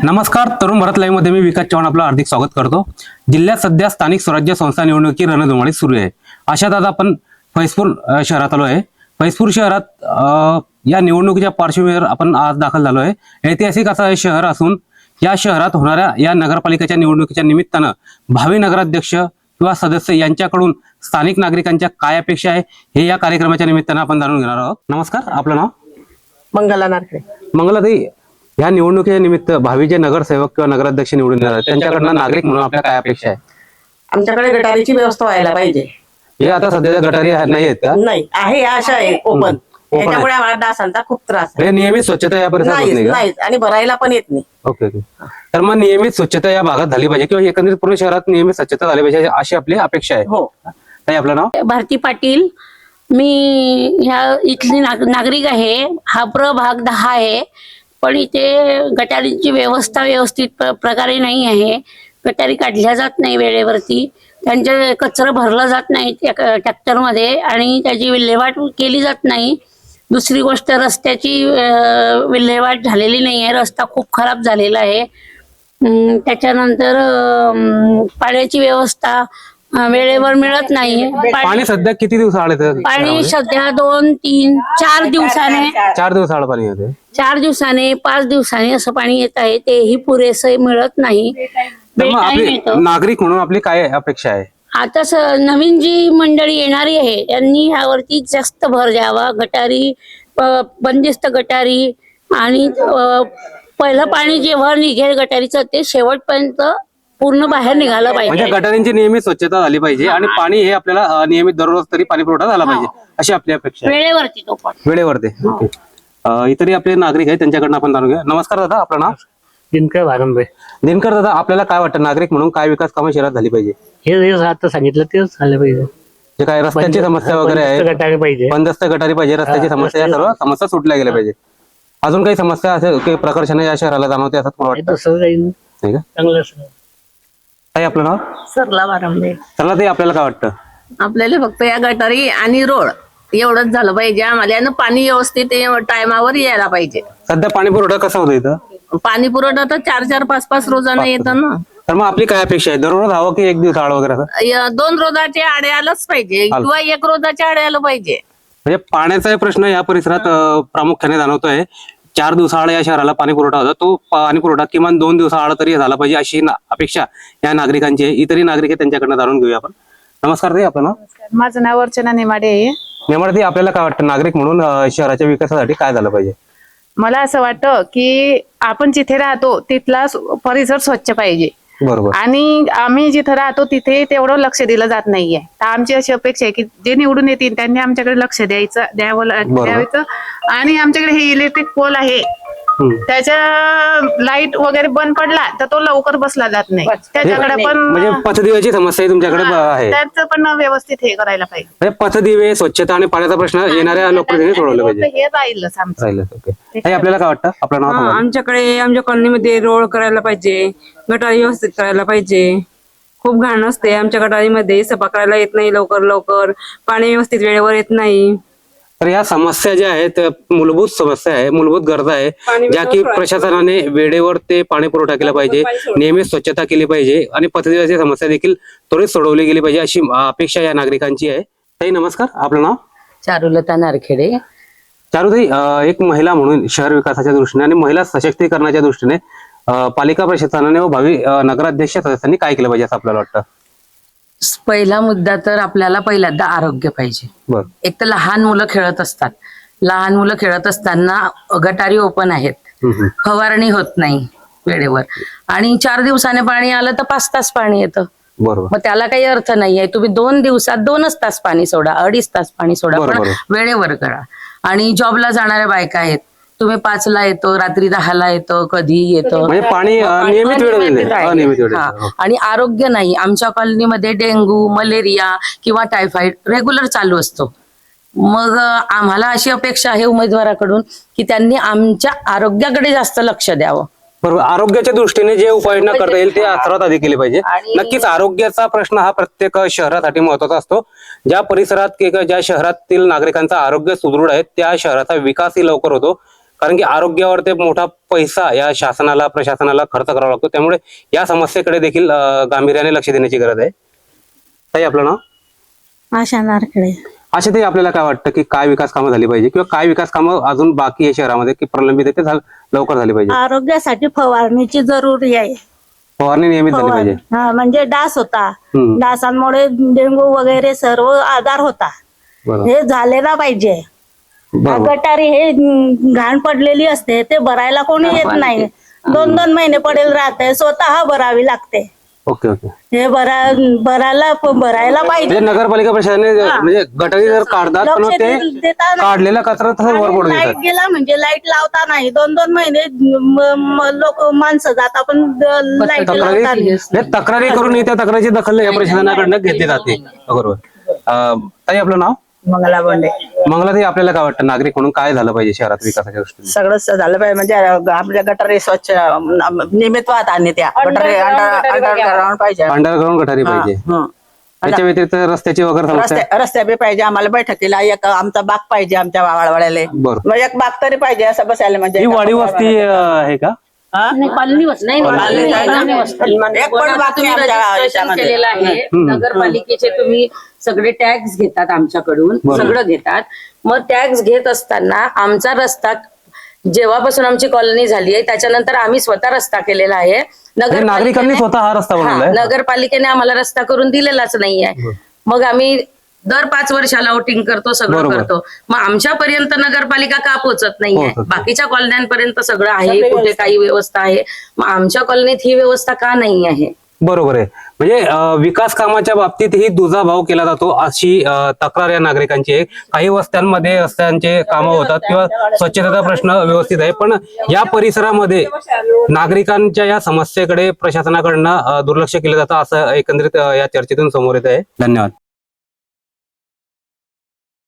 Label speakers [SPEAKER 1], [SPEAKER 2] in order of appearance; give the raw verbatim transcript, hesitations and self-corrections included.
[SPEAKER 1] नमस्कार, तरुण भारत लाईव्ह मध्ये मी विकास चव्हाण आपलं हार्दिक स्वागत करतो। जिल्ह्यात सध्या स्थानिक स्वराज्य संस्था निवडणुकी रणधुमाळी सुरू आहे। अशात आज आपण फैजपूर शहरात आलो आहे। फैजपूर शहरात या निवडणुकीच्या पार्श्वभूमीवर आपण आज दाखल झालो आहे। ऐतिहासिक असं हे शहर असून या शहरात होणाऱ्या या नगरपालिकेच्या निवडणुकीच्या निमित्तानं भावी नगराध्यक्ष किंवा सदस्य यांच्याकडून स्थानिक नागरिकांच्या काय अपेक्षा आहे हे या कार्यक्रमाच्या निमित्तानं आपण जाणून घेणार आहोत। नमस्कार, आपलं नाव?
[SPEAKER 2] मंगला नारखे।
[SPEAKER 1] मंगलाताई, या निवडणुकीच्या निमित्त भावी जे नगरसेवक किंवा नगराध्यक्ष निवडून येणार आहेत त्यांच्याकडनं नागरिक म्हणून आपल्या काय अपेक्षा आहे?
[SPEAKER 2] आमच्याकडे गटारीची व्यवस्था व्हायला पाहिजे।
[SPEAKER 1] हे आता सध्या गटारी नाही आहेत का?
[SPEAKER 2] नाही आहे, अशा आहे ओपन। त्याच्यामुळे आम्हाला डासांचा खूप त्रास आहे।
[SPEAKER 1] नियमित स्वच्छता या परिसरात होत नाही का?
[SPEAKER 2] नाही, आणि भरायला पण येत नाही।
[SPEAKER 1] ओके ओके तर मग नियमित स्वच्छता या भागात झाली पाहिजे किंवा एकंदरीत पूर्ण शहरात नियमित स्वच्छता झाली पाहिजे अशी आपली अपेक्षा आहे।
[SPEAKER 2] हो।
[SPEAKER 1] ताई, आपलं नाव?
[SPEAKER 3] भारती पाटील। मी ह्या इथली नाग, नागरिक आहे। हा प्रभाग दहा आहे, पण इथे गटारींची व्यवस्था व्यवस्थित प्र, प्रकारे नाही आहे। गटारी काढल्या जात नाही वेळेवरती, त्यांचे कचरा भरला जात नाही ट्रॅक्टरमध्ये आणि त्याची विल्हेवाट केली जात नाही। दुसरी गोष्ट, रस्त्याची विल्हेवाट झालेली नाही आहे, रस्ता खूप खराब झालेला आहे। त्याच्यानंतर पाण्याची व्यवस्था वेळेवर मिळत नाही।
[SPEAKER 1] पाणी सध्या किती दिवस आले?
[SPEAKER 3] पाणी सध्या दोन तीन चार दिवसाने
[SPEAKER 1] चार दिवस आड पाणी येते।
[SPEAKER 3] चार दिवसाने पाच दिवसाने असं पाणी येत आहे, तेही पुरेसं मिळत नाही।
[SPEAKER 1] नागरिक म्हणून आपली काय अपेक्षा आहे?
[SPEAKER 3] आता नवीन जी मंडळी येणारी आहे त्यांनी ह्यावरती जास्त भर द्यावा। गटारी, बंदिस्त गटारी आणि पहिलं पाणी जेव्हा निघेल गटारीचं ते शेवटपर्यंत पूर्ण बाहेर निघालं पाहिजे।
[SPEAKER 1] म्हणजे गटारींची नियमित स्वच्छता झाली पाहिजे आणि पाणी हे आपल्याला नियमित दररोज तरी पाणी पुरवठा झाला पाहिजे अशी आपली अपेक्षा आहे।
[SPEAKER 3] वेळेवरती तो पण
[SPEAKER 1] वेळेवरती। ओके, इतरही आपले नागरिक आहेत त्यांच्याकडनं आपण जाणून घेऊया। नमस्कार दादा, आपलं नाव?
[SPEAKER 4] दिनकर वारंबे।
[SPEAKER 1] दिनकर दादा, आपल्याला काय वाटतं नागरिक म्हणून काय विकास कामं शहरात झाली पाहिजे?
[SPEAKER 4] हे आता सांगितलं तेच झालं पाहिजे।
[SPEAKER 1] जे काय रस्त्यांची समस्या वगैरे आहे,
[SPEAKER 4] गटारी पाहिजे,
[SPEAKER 1] बंदस्त गटारी पाहिजे, रस्त्याची समस्या, या सर्व समस्या सुटल्या गेल्या पाहिजे। अजून काही समस्या असेल की प्रकर्षाने या शहराला जाणवते असं मला वाटतं?
[SPEAKER 4] तसं काही
[SPEAKER 1] नाही का?
[SPEAKER 4] चांगलं।
[SPEAKER 1] ताई, आपलं नाव?
[SPEAKER 2] सरला वारंबे।
[SPEAKER 1] चला ताई, आपल्याला काय वाटतं?
[SPEAKER 2] आपल्याला फक्त या गटारी आणि रोड एवढंच झालं पाहिजे आम्हाला, आणि पाणी व्यवस्थित टायमावर यायला पाहिजे।
[SPEAKER 1] सध्या पाणी पुरवठा कसा होतो इथं?
[SPEAKER 2] पाणी पुरवठा तर चार चार पाच पाच रोजानं येतं ना।
[SPEAKER 1] तर मग आपली काय अपेक्षा आहे? दररोज हवं की एक दिवस आड वगैरे असं?
[SPEAKER 2] य- दोन रोजाचे आडे आलंच पाहिजे किंवा एक रोजाचे आडे आलं पाहिजे।
[SPEAKER 1] म्हणजे पाण्याचा प्रश्न या परिसरात अं, प्रामुख्याने जाणवतोय। चार दिवसाआड या शहराला पाणी पुरवठा होता, तो पाणी पुरवठा किमान दोन दिवसाआड तरी झाला पाहिजे अशी ना- अपेक्षा या नागरिकांची आहे। इतरही नागरिक आहे त्यांच्याकडनं जाणून घेऊया आपण। नमस्कार ताई, आपलं नाव?
[SPEAKER 5] माझं नाव अर्चना नेमाडे आहे।
[SPEAKER 1] नेमाडे, आपल्याला काय वाटतं नागरिक म्हणून अं, शहराच्या विकासासाठी काय झालं पाहिजे?
[SPEAKER 5] मला असं वाटतं की आपण जिथे राहतो तिथला परिसर स्वच्छ पाहिजे,
[SPEAKER 1] बरोबर,
[SPEAKER 5] आणि आम्ही जिथे राहतो तिथे तेवढं लक्ष दिलं जात नाहीये। तर आमची अशी अपेक्षा आहे की जे निवडून येतील त्यांनी आमच्याकडे लक्ष द्यायचं द्यावं द्यायचं। आणि आमच्याकडे हे इलेक्ट्रिक पोल आहे, त्याच्या लाईट वगैरे बंद पडला तर तो लवकर बसला जात नाही, त्याच्याकडे पण
[SPEAKER 1] म्हणजे पथदिव्याची समस्या तुमच्याकडे आहे?
[SPEAKER 5] त्याचं पण व्यवस्थित हे करायला पाहिजे।
[SPEAKER 1] म्हणजे पथदिवे, स्वच्छता आणि पाण्याचा प्रश्न येणाऱ्या लोकप्रतिनिधी सोडवला पाहिजे।
[SPEAKER 5] हे राहीलच आमचं।
[SPEAKER 1] राहिलं, ओके। ताई, आपल्याला काय वाटतं? आपलं नाव सांगा.
[SPEAKER 6] आमच्याकडे आमच्या कॉलनीमध्ये रोड करायला पाहिजे, गटारी व्यवस्थित करायला पाहिजे। खूप घाण असते आमच्या गटारीमध्ये, सफा करायला येत नाही लवकर लवकर, पाणी व्यवस्थित वेळेवर येत नाही।
[SPEAKER 1] तर या समस्या ज्या आहेत मूलभूत समस्या आहे, मूलभूत गरजा आहे ज्या की प्रशासनाने वेळेवर ते पाणी पुरवठा केला पाहिजे, नियमित स्वच्छता केली पाहिजे आणि पथदिव्याची समस्या देखील त्वरित सोडवली गेली पाहिजे अशी अपेक्षा या नागरिकांची आहे। ताई, नमस्कार, आपलं नाव?
[SPEAKER 2] चारुलता नारखेडे।
[SPEAKER 1] चारुताई, एक महिला म्हणून शहर विकासाच्या दृष्टीने आणि महिला सशक्तीकरणाच्या दृष्टीने पालिका प्रशासनाने व भावी नगराध्यक्ष सदस्यांनी काय केलं पाहिजे असं आपल्याला वाटतं?
[SPEAKER 7] पहिला मुद्दा तर आपल्याला पहिल्यांदा आरोग्य पाहिजे।
[SPEAKER 1] बरं,
[SPEAKER 7] एक तर लहान मुलं खेळत असतात, लहान मुलं खेळत असताना गटारी ओपन आहेत, फवारणी होत नाही वेळेवर, आणि चार दिवसाने पाणी आलं तर पाच तास पाणी येतं।
[SPEAKER 1] बरोबर,
[SPEAKER 7] मग त्याला काही अर्थ नाहीये। तुम्ही दोन दिवसात दोनच तास पाणी सोडा, अडीच तास पाणी सोडा, पण वेळेवर करा। आणि जॉबला जाणाऱ्या बायका आहेत, तुम्ही पाचला येतो, रात्री दहाला येतो, कधी येतो,
[SPEAKER 1] म्हणजे पाणी नियमित वेळ.
[SPEAKER 7] आणि आरोग्य नाही। आमच्या कॉलनीमध्ये डेंग्यू, मलेरिया किंवा टायफॉइड रेग्युलर चालू असतो। मग आम्हाला अशी अपेक्षा आहे उमेदवाराकडून की त्यांनी आमच्या आरोग्याकडे जास्त लक्ष द्यावं।
[SPEAKER 1] बरोबर, आरोग्याच्या दृष्टीने जे उपाययोजना करता येईल ते सर्वात आधी केली पाहिजे। नक्कीच आरोग्याचा प्रश्न हा प्रत्येक शहरासाठी महत्वाचा असतो। ज्या परिसरात किंवा ज्या शहरातील नागरिकांचं आरोग्य सुदृढ आहे त्या शहराचा विकासही लवकर होतो। कारण की आरोग्यावर ते मोठा पैसा या शासनाला प्रशासनाला खर्च करावा लागतो. त्यामुळे या समस्येकडे देखील अं, गांभीर्याने लक्ष देण्याची गरज आहे. ताई आपलं नाव?
[SPEAKER 8] आशा नारकडे.
[SPEAKER 1] अशा ते आपल्याला काय वाटतं की काय विकास कामं झाली पाहिजे किंवा काय विकास कामं अजून बाकी आहे शहरामध्ये की प्रलंबित आहे ते झाल- लवकर झाली पाहिजे?
[SPEAKER 8] आरोग्यासाठी फवारणीची जरुरी आहे.
[SPEAKER 1] फवारणी नियमित झाली पाहिजे.
[SPEAKER 8] हा, म्हणजे डास होता,
[SPEAKER 1] हम्म.
[SPEAKER 8] डासांमुळे डेंगू वगैरे सर्व आजार होता.
[SPEAKER 1] बरोबर
[SPEAKER 8] हे झालेला पाहिजे.
[SPEAKER 1] बरोबर.
[SPEAKER 8] गटारी हे अं, घाण पडलेली असते, ते भरायला कोणी येत नाही. दोन दोन महिने पडेल राहते, स्वतः भरावी लागते.
[SPEAKER 1] Okay okay.
[SPEAKER 8] हे भरा भरायला भरायला पाहिजे.
[SPEAKER 1] म्हणजे नगरपालिका प्रशासनाने म्हणजे गटारी जर काढतात पण
[SPEAKER 8] लक्ष
[SPEAKER 1] ते
[SPEAKER 8] दे- देता नाही.
[SPEAKER 1] काढलेला कचरा तसंच वर पडून
[SPEAKER 8] लाईट
[SPEAKER 1] देतात.
[SPEAKER 8] गेला म्हणजे लाईट लावता नाही. दोन दोन महिने लोक माणसं जात आपण लाईट
[SPEAKER 1] तक्रारी
[SPEAKER 8] लावता नाही.
[SPEAKER 1] म्हणजे तक्रारी करून त्या तक्रारीची दखल या प्रशासनाकडनं घेतली जाते. बरोबर. अं, ताई आपलं नाव?
[SPEAKER 9] मंगला बोंडे.
[SPEAKER 1] मंगलाताई आपल्याला काय वाटतं नागरिक म्हणून काय झालं पाहिजे शहरात विकासाच्या दृष्टीने?
[SPEAKER 9] सगळंच झालं पाहिजे म्हणजे आपल्या गटारी स्वच्छ नियमित वाहत आणि त्या गटारी अंडरग्राउंड पाहिजे.
[SPEAKER 1] अंडरग्राऊंड गटारी पाहिजे.
[SPEAKER 9] हं.
[SPEAKER 1] त्याच्या व्यतिरिक्त रस्त्याची वगैरे समस्या?
[SPEAKER 9] रस्ते रस्ते बी पाहिजे आम्हाला. बैठकीला एक आमचा बाग पाहिजे आमच्या वाळवाड्याला.
[SPEAKER 1] बरं.
[SPEAKER 9] मग एक बाग तरी पाहिजे असं बसायला म्हणजे.
[SPEAKER 1] ही वाडी वस्ती अं, आहे का?
[SPEAKER 3] कॉलनी वस्ती नाही,
[SPEAKER 9] कॉलनी
[SPEAKER 3] कॉलनी
[SPEAKER 9] आहे ना?
[SPEAKER 3] कॉलनी वस्ती.
[SPEAKER 9] एक पण बाग
[SPEAKER 3] तुम्ही
[SPEAKER 9] नाही आमच्या
[SPEAKER 3] रजिस्ट्रेशन
[SPEAKER 9] याच्यामध्ये.
[SPEAKER 3] केलेलं आहे. नगरपालिकेचे तुम्ही सगळे टॅक्स घेतात आमच्याकडून,
[SPEAKER 1] बरोबर.
[SPEAKER 3] सगळं घेतात. मग टॅक्स घेत असताना आमचा रस्ता जेव्हापासून आमची कॉलनी झाली आहे त्याच्यानंतर आम्ही स्वतः रस्ता केलेला आहे.
[SPEAKER 1] म्हणजे नागरिकांनी स्वतः हा रस्ता
[SPEAKER 3] हा,
[SPEAKER 1] बनवलाय?
[SPEAKER 3] नगरपालिकेने आम्हाला रस्ता करून दिलेलाच नाहीये. मग आम्ही दर पाच वर्षाला वोटिंग करतो, सगळं
[SPEAKER 1] बरोबर.
[SPEAKER 3] करतो. मग आमच्यापर्यंत नगरपालिका का पोहोचत नाहीये?
[SPEAKER 1] पोहोचत नाही.
[SPEAKER 3] बाकीच्या कॉलन्यांपर्यंत सगळं आहे, कुठे काही व्यवस्था आहे, मग आमच्या कॉलनीत ही व्यवस्था का नाही आहे?
[SPEAKER 1] बरोबर आहे. म्हणजे अं, विकास कामाच्या बाबतीत ही दुजाभाव केला जातो अशी अं, तक्रार या नागरिकांची आहे. काही वस्त्यांमध्ये रस्त्यांचे कामं होतात किंवा स्वच्छतेचा प्रश्न व्यवस्थित आहे, पण या परिसरामध्ये नागरिकांच्या या समस्येकडे प्रशासनाकडनं अं, दुर्लक्ष केलं जातं असं एकंदरीत अं, या चर्चेतून समोर येत आहे. धन्यवाद.